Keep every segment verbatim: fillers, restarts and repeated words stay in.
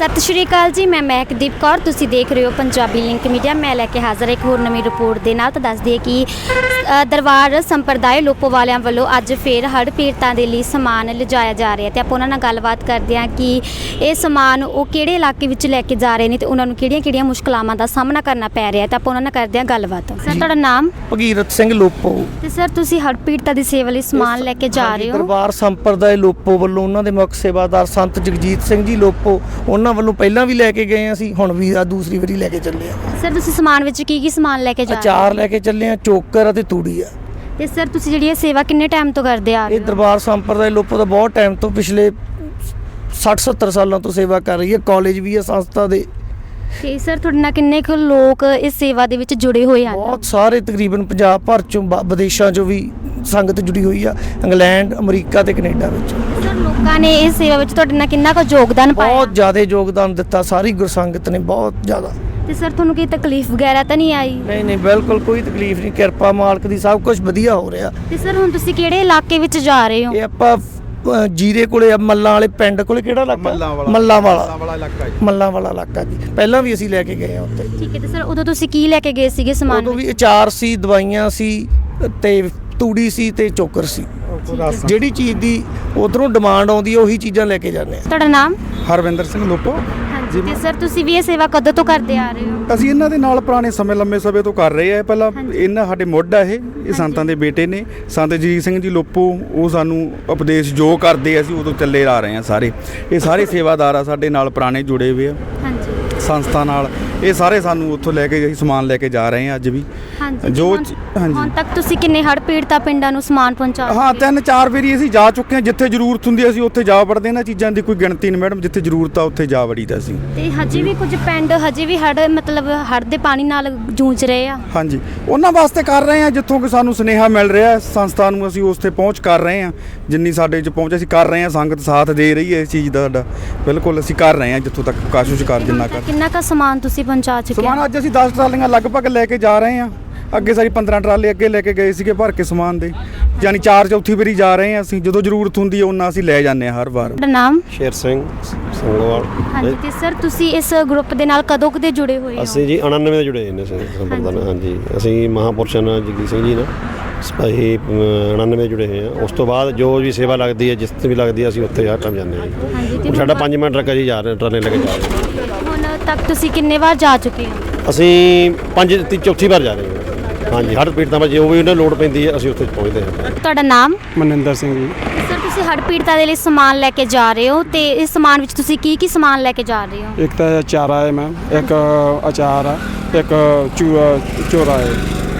सत श्री अकाल जी, मैं महकदीप कौर। तुसीं देख रहे हो पंजाबी लिंक मीडिया। मैं लैके हाज़र एक होर नवीं रिपोर्ट दे नाल। तां दस दईए कि अ, दरबार संप्रदाय लोपो वालियां ਵੱਲੋਂ ਅੱਜ ਫਿਰ हड़ पीड़तां ਦੇ ਲਈ ਸਮਾਨ ਲਿਜਾਇਆ ਜਾ ਰਿਹਾ ਤੇ ਆਪਾਂ ਉਹਨਾਂ ਨਾਲ ਗੱਲਬਾਤ ਕਰਦੇ ਹਾਂ ਕਿ ਇਹ ਸਮਾਨ ਉਹ ਕਿਹੜੇ ਇਲਾਕੇ ਵਿੱਚ ਲੈ ਕੇ ਜਾ ਰਹੇ ਨੇ ਤੇ ਉਹਨਾਂ ਨੂੰ ਕਿਹੜੀਆਂ-ਕਿਹੜੀਆਂ ਮੁਸ਼ਕਲਾਂ ਦਾ ਸਾਹਮਣਾ ਕਰਨਾ ਪੈ ਰਿਹਾ ਤੇ ਆਪਾਂ ਉਹਨਾਂ ਨਾਲ ਕਰਦੇ ਹਾਂ ਗੱਲਬਾਤ। ਸਰ ਤੁਹਾਡਾ ਨਾਮ? ਭਗੀਰਥ ਸਿੰਘ ਲੋਪੋ। ਤੇ ਸਰ ਤੁਸੀਂ ਹੜ ਪੀੜਤਾਂ ਦੀ ਸੇਵਾ ਲਈ ਸਮਾਨ ਲੈ ਕੇ ਜਾ ਰਹੇ ਹੋ? ਦਰਬਾਰ ਸੰਪਰਦਾਇ ਲੋਪੋ ਵੱਲੋਂ ਉਹਨਾਂ ਦੇ ਮੁੱਖ ਸੇਵਾਦਾਰ ਸੰਤ ਜਗਜੀਤ ਸਿੰਘ ਜੀ ਲੋਪੋ, ਉਹਨਾਂ ਵੱਲੋਂ ਪਹਿਲਾਂ ਵੀ ਲੈ ਕੇ ਗਏ ਅਸੀਂ, ਹੁਣ ਵੀ ਆ ਦੂਸਰੀ ਵਾਰੀ ਲੈ ਕੇ ਚੱਲੇ ਆ। ਸਰ ਤੁਸੀਂ ਸਮਾਨ ਵਿੱਚ ਕੀ ਕੀ ਸਮਾਨ ਲੈ ਕੇ ਜਾ ਰਹੇ ਹੋ? ਅਚਾਰ ਲੈ ਕੇ ਚੱਲੇ ਆ, ਚੋਕਰ ਅਤੇ ਤੂੜੀ ਆ। ਤੇ ਸਰ ਤੁਸੀਂ ਜਿਹੜੀ ਇਹ ਸੇਵਾ ਕਿੰਨੇ ਟਾਈਮ ਤੋਂ ਕਰਦੇ ਆ ਰਹੇ ਇਹ ਹੋ? ਦਰਬਾਰ ਸੰਪਰਦਾਇ ਲੋਪੋ ਦਾ ਬਹੁਤ ਟਾਈਮ ਤੋਂ, ਪਿਛਲੇ ਸੱਠ ਸੱਤਰ ਸਾਲਾਂ ਤੋਂ ਸੇਵਾ ਕਰ ਰਹੀ ਹੈ। ਕਾਲਜ ਵੀ ਹੈ ਸੰਸਥਾ ਦੇ। ਤੇ ਸਰ ਤੁਹਾਡੇ ਨਾਲ ਕਿੰਨੇ ਕੁ ਲੋਕ ਇਸ ਸੇਵਾ ਦੇ ਵਿੱਚ ਜੁੜੇ ਹੋਏ ਹਨ? ਬਹੁਤ ਸਾਰੇ, ਤਕਰੀਬਨ ਪੰਜਾਬ ਭਰ ਚੋਂ, ਬ- ਵਿਦੇਸ਼ਾਂ ਚੋਂ ਵੀ ਸੰਗਤ ਜੁੜੀ ਹੋਈ ਆ, ਇੰਗਲੈਂਡ, ਅਮਰੀਕਾ ਤੇ ਕੈਨੇਡਾ ਵਿੱਚ। ਸਰ ਲੋਕਾਂ ਨੇ ਇਸ ਸੇਵਾ ਵਿੱਚ ਤੁਹਾਡੇ ਨਾਲ ਕਿੰਨਾ ਕੁ ਯੋਗਦਾਨ ਪਾਇਆ? ਬਹੁਤ ਜ਼ਿਆਦਾ ਯੋਗਦਾਨ ਦਿੱਤਾ, ਸਾਰੀ ਗੁਰਸੰਗਤ ਨੇ ਬਹੁਤ ਜ਼ਿਆਦਾ। ਤੇ ਸਰ ਤੁਹਾਨੂੰ ਕੋਈ ਤਕਲੀਫ ਵਗੈਰਾ ਤਾਂ ਨਹੀਂ ਆਈ? ਨਹੀਂ ਨਹੀਂ, ਬਿਲਕੁਲ ਕੋਈ ਤਕਲੀਫ ਨਹੀਂ, ਕਿਰਪਾ ਮਾਲਕ ਦੀ, ਸਭ ਕੁਝ ਵਧੀਆ ਹੋ ਰਿਹਾ। ਤੇ ਸਰ ਹੁਣ ਤੁਸੀਂ ਕਿਹੜੇ ਇਲਾਕੇ ਵਿੱਚ ਜਾ ਰਹੇ ਹੋ? ਇਹ ਆਪਾਂ ਅ, ਜੀਰੇ ਕੋਲੇ ਆ, ਮੱਲਾਂ ਵਾਲੇ ਪਿੰਡ ਕੋਲੇ, ਕਿਹੜਾ ਇਲਾਕਾ? ਮੱਲਾਂ ਵਾਲਾ। ਮੱਲਾਂ ਵਾਲਾ ਇਲਾਕਾ ਜੀ। ਮੱਲਾਂ ਵਾਲਾ ਇਲਾਕਾ ਜੀ, ਪਹਿਲਾਂ ਵੀ ਅਸੀਂ ਲੈ ਕੇ ਗਏ ਆ ਉੱਥੇ। ਠੀਕ ਹੈ। ਤੇ ਸਰ ਉਦੋਂ ਤੁਸੀਂ ਕੀ ਲੈ ਕੇ ਗਏ ਸੀਗੇ ਸਮਾਨ? ਉਦੋਂ ਵੀ ਅਚਾਰ ਸੀ, ਦਵਾਈਆਂ ਸੀ ਤੇ ਤੂੜੀ ਸੀ ਤੇ ਚੋਕਰ ਸੀ। ਜਿਹੜੀ ਚੀਜ਼ ਦੀ ਉਧਰੋਂ ਡਿਮਾਂਡ ਆਉਂਦੀ ਹੈ ਉਹੀ ਚੀਜ਼ਾਂ ਲੈ ਕੇ ਜਾਂਦੇ ਆ। ਤੁਹਾਡਾ ਨਾਮ? ਹਰਵਿੰਦਰ ਸਿੰਘ ਲੋਪੋ। ਹਾਂਜੀ। ਤੇ ਸਰ ਤੁਸੀਂ ਵੀ ਇਹ ਸੇਵਾ ਕਦੋਂ ਤੋਂ ਕਰਦੇ ਆ ਰਹੇ ਹੋ? ਅਸੀਂ ਇਹਨਾਂ ਦੇ ਨਾਲ ਪੁਰਾਣੇ ਸਮੇਂ ਲੰਮੇ ਸਮੇਂ ਤੋਂ ਕਰ ਰਹੇ ਆ। ਪਹਿਲਾਂ ਇਹਨਾਂ ਸਾਡੇ ਮੁੱਢ ਆ, ਇਹ ਇਹ ਸੰਤਾਂ ਦੇ ਬੇਟੇ ਨੇ, ਸੰਤ ਜਗਜੀਤ ਸਿੰਘ ਜੀ ਲੋਪੋ। ਉਹ ਸਾਨੂੰ ਉਪਦੇਸ਼ ਜੋ ਕਰਦੇ ਅਸੀਂ ਉਦੋਂ ਚੱਲੇ ਆ ਰਹੇ ਆ ਸਾਰੇ। ਇਹ ਸਾਰੇ ਸੇਵਾਦਾਰ ਆ ਸਾਡੇ ਨਾਲ ਪੁਰਾਣੇ ਜੁੜੇ ਹੋਏ ਆ ਹਾਂਜੀ ਸੰਸਥਾ ਨਾਲ। ਇਹ ਸਾਰੇ ਸਾਨੂੰ ਉੱਥੋਂ ਲੈ ਕੇ ਅਸੀਂ ਸਮਾਨ ਲੈ ਕੇ ਜਾ ਰਹੇ ਆ ਅੱਜ ਵੀ। ਹਾਂਜੀ। ਜੋ ਹੁਣ- ਹਾਂਜੀ ਹੁਣ ਤੱਕ ਤੁਸੀਂ ਕਿੰਨੇ ਹੜ ਪੀੜਤਾ ਪਿੰਡਾਂ ਨੂੰ ਸਮਾਨ ਪਹੁੰਚਾ ਹਾਂ, ਚੁੱਕੇ? ਤਿੰਨ ਚਾਰ ਵਾਰੀ ਅਸੀਂ ਜਾ ਚੁੱਕੇ ਹਾਂ। ਜਿੱਥੇ ਜ਼ਰੂਰਤ ਹੁੰਦੀ ਅਸੀਂ ਉੱਥੇ ਜਾ ਵੜਦੇ। ਇਹਨਾਂ ਚੀਜ਼ਾਂ ਦੀ ਕੋਈ ਗਿਣਤੀ ਨਹੀਂ ਮੈਡਮ, ਜਿੱਥੇ ਜ਼ਰੂਰਤ ਆ ਉੱਥੇ ਜਾ ਵੜੀਦਾ ਅਸੀਂ। ਤੇ ਹਜੇ ਵੀ ਕੁਝ ਪਿੰਡ ਹਜੇ ਵੀ ਹੜ ਮਤਲਬ ਹੜ ਦੇ ਪਾਣੀ ਨਾਲ ਜੂਝ ਰਹੇ ਆ? ਹਾਂਜੀ, ਉਹਨਾਂ ਵਾਸਤੇ ਕਰ ਰਹੇ ਹਾਂ ਜਿੱਥੋਂ ਕਿ ਸਾਨੂੰ ਸੁਨੇਹਾ ਮਿਲ ਰਿਹਾ ਸੰਸਥਾ ਨੂੰ, ਅਸੀਂ ਉਸ ਤੇ ਪਹੁੰਚ ਕਰ ਰਹੇ ਹਾਂ। ਜਿੰਨੀ ਸਾਡੇ 'ਚ ਪਹੁੰਚ ਅਸੀਂ ਕਰ ਰਹੇ ਹਾਂ, ਸੰਗਤ ਸਾਥ ਦੇ ਰਹੀ ਹੈ ਇਸ ਚੀਜ਼ ਦਾ ਸਾਡਾ। ਬਿਲਕੁਲ ਅਸੀਂ ਕਰ ਰਹੇ ਹਾਂ ਜਿੱਥੋਂ ਤੱਕ ਕੋਸ਼ਿਸ਼ ਕਰ ਜਿੰਨਾ ਕਰ। ਕਿੰਨਾ ਕੁ ਸਮਾਨ ਤੁਸੀਂ ਪਹੁੰਚਾ ਚੁੱਕੇ ਸਮਾਨ ਹੋ? ਅੱਜ ਅਸੀਂ ਦਸ ਟਰਾਲੀਆਂ ਲਗਭਗ ਲੈ ਕੇ ਜਾ ਰਹੇ ਹਾਂ। ਅੱਗੇ ਸਾਡੀ ਪੰਦਰਾਂ ਟਰਾਲੇ ਅੱਗੇ ਲੈ ਕੇ ਗਏ ਸੀਗੇ ਭਰ ਕੇ ਸਮਾਨ ਦੇ, ਯਾਨੀ ਚਾਰ ਚੌਥੀ ਵਾਰੀ ਜਾ ਰਹੇ ਹਾਂ ਅਸੀਂ। ਜਦੋਂ ਜ਼ਰੂਰਤ ਹੁੰਦੀ ਹੈ ਉਹਨਾਂ ਅਸੀਂ ਲੈ ਜਾਂਦੇ ਹਾਂ ਹਰ ਵਾਰ। ਤੁਹਾਡਾ ਨਾਮ? ਸ਼ੇਰ ਸਿੰਘ ਸੰਗੋਵਾਲ। ਹਾਂਜੀ। ਤੇ ਸਰ ਤੁਸੀਂ ਇਸ ਗਰੁੱਪ ਦੇ ਨਾਲ ਕਦੋਂ ਕਦੇ ਜੁੜੇ ਹੋਏ ਹੋ? ਅਸੀਂ ਜੀ ਉਣਾਨਵੇਂ ਦੇ ਜੁੜੇ ਨੇ ਸੰਪਰਦਾ ਨਾਲ। ਹਾਂਜੀ, ਅਸੀਂ ਮਹਾਂਪੁਰਸ਼ਾਂ ਨਾਲ ਜਗਜੀਤ ਸਿੰਘ ਜੀ ਨਾਲ ਅਸੀਂ ਉਣਾਨਵੇਂ ਜੁੜੇ ਹੋਏ ਹਾਂ। ਉਸ ਤੋਂ ਬਾਅਦ ਜੋ ਵੀ ਸੇਵਾ ਲੱਗਦੀ ਹੈ, ਜਿਸ ਤੇ ਵੀ ਲੱਗਦੀ ਹੈ, ਅਸੀਂ ਉੱਥੇ ਹਰ ਟਾਈਮ ਜਾਂਦੇ ਹਾਂ ਜੀ। ਹਾਂਜੀ। ਤੇ ਹੁਣ ਸਾਡਾ ਪੰਜ ਮਿੰਟ ਟਰੱਕ ਜੀ ਜਾ ਰਹੇ ਟਰਾਲੇ ਲੈ ਕੇ ਜਾ ਰਹੇ ਹਾਂ। ਹੁਣ ਤੱਕ ਤੁਸੀਂ ਕਿੰਨੇ ਵਾਰ ਜਾ ਚੁੱਕੇ ਹੋ? ਅਸੀਂ ਪੰਜ ਤੀ ਚੌਥੀ ਵਾਰ ਜਾ ਰਹੇ ਹਾਂ। ਹਾਂਜੀ, ਹੜ ਪੀੜਤਾਂ ਵਿੱਚ ਜੋ ਵੀ ਉਹਨਾਂ ਲੋੜ ਪੈਂਦੀ ਹੈ ਅਸੀਂ ਉੱਥੇ ਪਹੁੰਚਦੇ ਹਾਂ। ਤੁਹਾਡਾ ਨਾਮ? ਮਨਿੰਦਰ ਸਿੰਘ ਜੀ। ਸਰ ਤੁਸੀਂ ਹੜ ਪੀੜਤਾਂ ਦੇ ਲਈ ਸਮਾਨ ਲੈ ਕੇ ਜਾ ਰਹੇ ਹੋ ਤੇ ਇਸ ਸਮਾਨ ਵਿੱਚ ਤੁਸੀਂ ਕੀ ਕੀ ਸਮਾਨ ਲੈ ਕੇ ਜਾ ਰਹੇ ਹੋ? ਇੱਕ ਤਾਂ ਚਾਰਾ ਹੈ ਮੈਮ, ਇੱਕ ਅਚਾਰ ਆ, ਇੱਕ ਚੂ ਚੋਰਾ ਹੈ।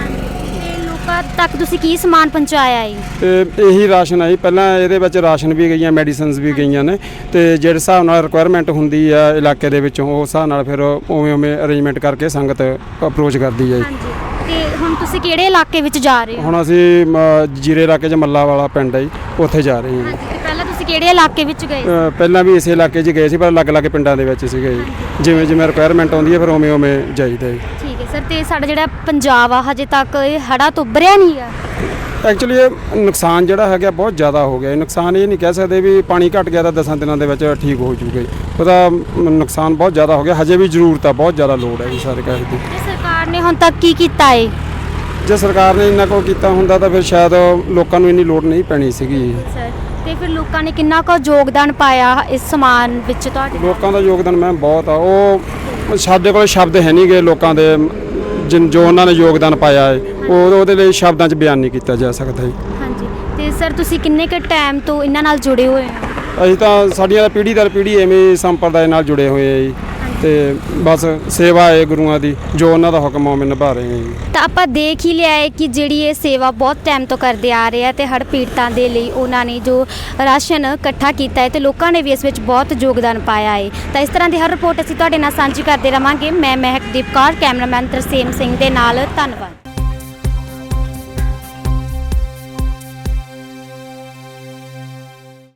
ਤੇ ਲੋਕਾਂ ਤੱਕ ਤੁਸੀਂ ਕੀ ਸਮਾਨ ਪਹੁੰਚਾਇਆ ਹੈ? ਤੇ ਇਹੀ ਰਾਸ਼ਨ ਹੈ ਜੀ। ਪਹਿਲਾਂ ਇਹਦੇ ਵਿੱਚ ਰਾਸ਼ਨ ਵੀ ਗਈਆਂ, ਮੈਡੀਸਿਨਸ ਵੀ ਗਈਆਂ ਨੇ, ਤੇ ਜਿਹੜੇ ਹਿਸਾਬ ਨਾਲ ਰਿਕੁਆਇਰਮੈਂਟ ਹੁੰਦੀ ਆ ਇਲਾਕੇ ਦੇ ਵਿੱਚੋਂ ਉਸ ਹਿਸਾਬ ਨਾਲ ਫਿਰ ਉਵੇਂ ਉਵੇਂ ਅਰੇਂਜਮੈਂਟ ਕਰਕੇ ਸੰਗਤ ਅਪਰੋਚ ਕਰਦੀ ਹੈ ਜੀ। ਹਾਂਜੀ। ਤੇ ਹੁਣ ਤੁਸੀਂ ਕਿਹੜੇ ਇਲਾਕੇ ਵਿੱਚ ਜਾ ਰਹੇ ਹੋ? ਹੁਣ ਅਸੀਂ ਮ, ਜੀਰੇ ਇਲਾਕੇ 'ਚ ਮੱਲਾ ਵਾਲਾ ਪਿੰਡ ਹੈ ਜੀ, ਉੱਥੇ ਜਾ ਰਹੇ ਹਾਂ। ਹਾਂਜੀ। ਤੇ ਪਹਿਲਾਂ ਤੁਸੀਂ ਕਿਹੜੇ ਇਲਾਕੇ ਵਿੱਚ ਗਏ? ਅ, ਪਹਿਲਾਂ ਵੀ ਇਸੇ ਇਲਾਕੇ 'ਚ ਗਏ ਸੀ, ਪਰ ਅਲੱਗ-ਅਲੱਗ ਪਿੰਡਾਂ ਦੇ ਵਿੱਚ ਸੀਗੇ ਜੀ। ਜਿਵੇਂ ਜਿਵੇਂ ਰਿਕੁਆਇਰਮੈਂਟ ਆਉਂਦੀ ਹੈ ਫਿਰ ਉਵੇਂ ਉਵੇਂ ਜਾਈਦਾ ਜੀ। ਠੀਕ ਹੈ ਸਰ। ਤੇ ਸਾਡਾ ਜਿਹੜਾ ਪੰਜਾਬ ਆ ਹਜੇ ਤੱਕ ਇਹ ਹੜ੍ਹਾਂ ਤੋਂ ਉੱਭਰਿਆ ਨਹੀਂ ਆ? ਐਕਚੁਅਲੀ ਇਹ ਨੁਕਸਾਨ ਜਿਹੜਾ ਹੈਗਾ ਬਹੁਤ ਜ਼ਿਆਦਾ ਹੋ ਗਿਆ। ਇਹ ਨੁਕਸਾਨ ਇਹ ਨਹੀਂ ਕਹਿ ਸਕਦੇ ਵੀ ਪਾਣੀ ਘਟ ਗਿਆ ਤਾਂ ਦਸਾਂ ਦਿਨਾਂ ਦੇ ਵਿੱਚ ਠੀਕ ਹੋ ਜੂਗਾ ਜੀ। ਉਹਦਾ ਨੁਕਸਾਨ ਬਹੁਤ ਜ਼ਿਆਦਾ ਹੋ ਗਿਆ। ਹਜੇ ਵੀ ਜ਼ਰੂਰਤ ਆ, ਬਹੁਤ ਜ਼ਿਆਦਾ ਲੋੜ ਹੈ ਜੀ ਸਾਰੇ ਕਹਿ ਦੀ। ਤੇ ਸਰਕਾਰ ਨੇ ਹੁਣ ਤੱਕ ਕੀ ਕੀਤਾ ਹੈ? ਜੇ ਸਰਕਾਰ ਨੇ ਇੰਨਾ ਕੁ ਕੀਤਾ ਹੁੰਦਾ ਤਾਂ ਫਿਰ ਸ਼ਾਇਦ ਲੋਕਾਂ ਨੂੰ ਇੰਨੀ ਲੋੜ ਨਹੀਂ ਪੈਣੀ ਸੀਗੀ। ਸਰ ਤੇ ਫਿਰ ਲੋਕਾਂ ਨੇ ਕਿੰਨਾ ਕੁ ਯੋਗਦਾਨ ਪਾਇਆ ਇਸ ਸਮਾਨ ਵਿੱਚ ਤੁਹਾਡੇ? ਲੋਕਾਂ ਦਾ ਯੋਗਦਾਨ ਮੈਂ ਬਹੁਤ ਆ। ਉਹ ਸਾਡੇ ਕੋਲ ਸ਼ਬਦ ਹੈ ਨਹੀਂ ਗੇ ਲੋਕਾਂ ਦੇ, ਜਿਨ ਜੋ ਉਹਨਾਂ ਨੇ ਯੋਗਦਾਨ ਪਾਇਆ ਹੈ ਉਹ ਉਹਦੇ ਲਈ ਸ਼ਬਦਾਂ 'ਚ ਬਿਆਨ ਨਹੀਂ ਕੀਤਾ ਜਾ ਸਕਦਾ ਜੀ। ਹਾਂਜੀ। ਤੇ ਸਰ ਤੁਸੀਂ ਕਿੰਨੇ ਕੁ ਟਾਈਮ ਤੋਂ ਇਹਨਾਂ ਨਾਲ ਜੁੜੇ ਹੋਏ ਹੋ? ਅਸੀਂ ਤਾਂ ਸਾਡੀਆਂ ਪੀੜ੍ਹੀ ਦਰ ਪੀੜ੍ਹੀ ਐਵੇਂ ਸੰਪਰਦਾਇ ਨਾਲ ਜੁੜੇ ਹੋਏ ਆ ਜੀ। ਤੇ ਬਸ ਸੇਵਾ ਹੈ ਗੁਰੂਆਂ ਦੀ, ਜੋ ਉਹਨਾਂ ਦਾ ਹੁਕਮ ਉਹ ਨਿਭਾ ਰਹੇ ਹਾਂ ਜੀ। ਤਾਂ ਆਪਾਂ ਦੇਖ ਹੀ ਲਿਆ ਹੈ ਕਿ ਜਿਹੜੀ ਇਹ ਸੇਵਾ ਬਹੁਤ ਟਾਈਮ ਤੋਂ ਕਰਦੇ ਆ ਰਹੇ ਆ ਤੇ ਹੜ੍ਹ ਪੀੜਤਾਂ ਦੇ ਲਈ ਉਹਨਾਂ ਨੇ ਜੋ ਰਾਸ਼ਨ ਇਕੱਠਾ ਕੀਤਾ ਹੈ ਤੇ ਲੋਕਾਂ ਨੇ ਵੀ ਇਸ ਵਿੱਚ ਬਹੁਤ ਯੋਗਦਾਨ ਪਾਇਆ ਹੈ। ਤਾਂ ਇਸ ਤਰ੍ਹਾਂ ਦੀ ਹਰ ਰਿਪੋਰਟ ਅਸੀਂ ਤੁਹਾਡੇ ਨਾਲ ਸਾਂਝੀ ਕਰਦੇ ਰਵਾਂਗੇ। ਮੈਂ ਮਹਿਕਦੀਪ ਕੌਰ, ਕੈਮਰਾਮੈਨ ਤਰਸੇਮ ਸਿੰਘ ਦੇ ਨਾਲ। ਧੰਨਵਾਦ।